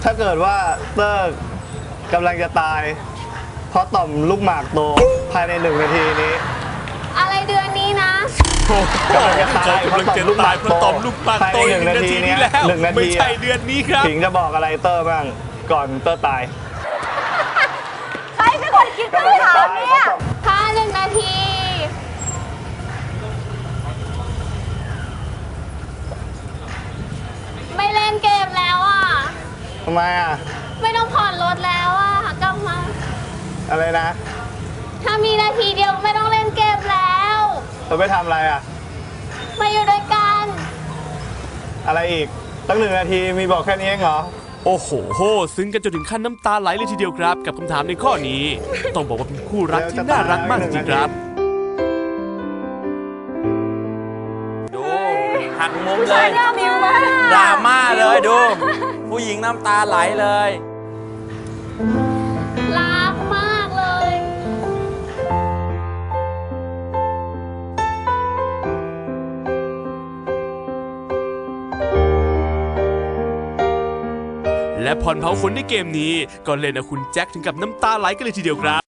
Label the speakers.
Speaker 1: ถ้าเกิดว่าเตอร์กำลังจะตายเพราะต่อมลูกหมากโตภายใน1 นาทีนี้
Speaker 2: อะไรเดือนนี้นะ
Speaker 1: กำลังจะตายเพราะต่อมลูกหมากโต
Speaker 3: ภายใน1 นาทีนี้แล้ว
Speaker 1: 1 นาที
Speaker 3: ไม่ใช่เดือนนี้ครับ
Speaker 1: ผิงจะบอกอะไรเตอร์บ้างก่อนเตอร์ตาย
Speaker 2: ใครเป็นคนคิดคำถามเนี่ยถ้า1 นาที ไม่เล่นเกมแล้วอ่ะ
Speaker 1: ทำไมอ่ะ
Speaker 2: ไม่ต้องผ่อนรถแล้วอ่ะกลับมา
Speaker 1: อะไรนะ
Speaker 2: ถ้ามีนาทีเดียวไม่ต้องเล่นเกมแล้ว
Speaker 1: เธอไปทำอะไรอ่ะ
Speaker 2: มาอยู่ด้วยกัน
Speaker 1: อะไรอีกตั้ง1 นาทีมีบอกแค่นี้เองเหรอ
Speaker 3: โอ้โหซึ้งกันจนถึงขั้นน้ำตาไหลเลยทีเดียวครับ กับคำถามในข้อนี้ ต้องบอกว่าเป็นคู่รักที่น่ารักมากจริงๆครับ
Speaker 4: ดูหักมุม
Speaker 2: ผู้
Speaker 4: เล
Speaker 2: ชาย
Speaker 4: ย
Speaker 2: ดราม่า
Speaker 4: ดราม่าเลยดู ผู้หญิงน้ำตาไหลเลย
Speaker 2: รักมากเลย
Speaker 3: และผ่อนเผาขนในเกมนี้ก็เล่นเอาคุณแจ็คถึงกับน้ำตาไหลกันเลยทีเดียวครับ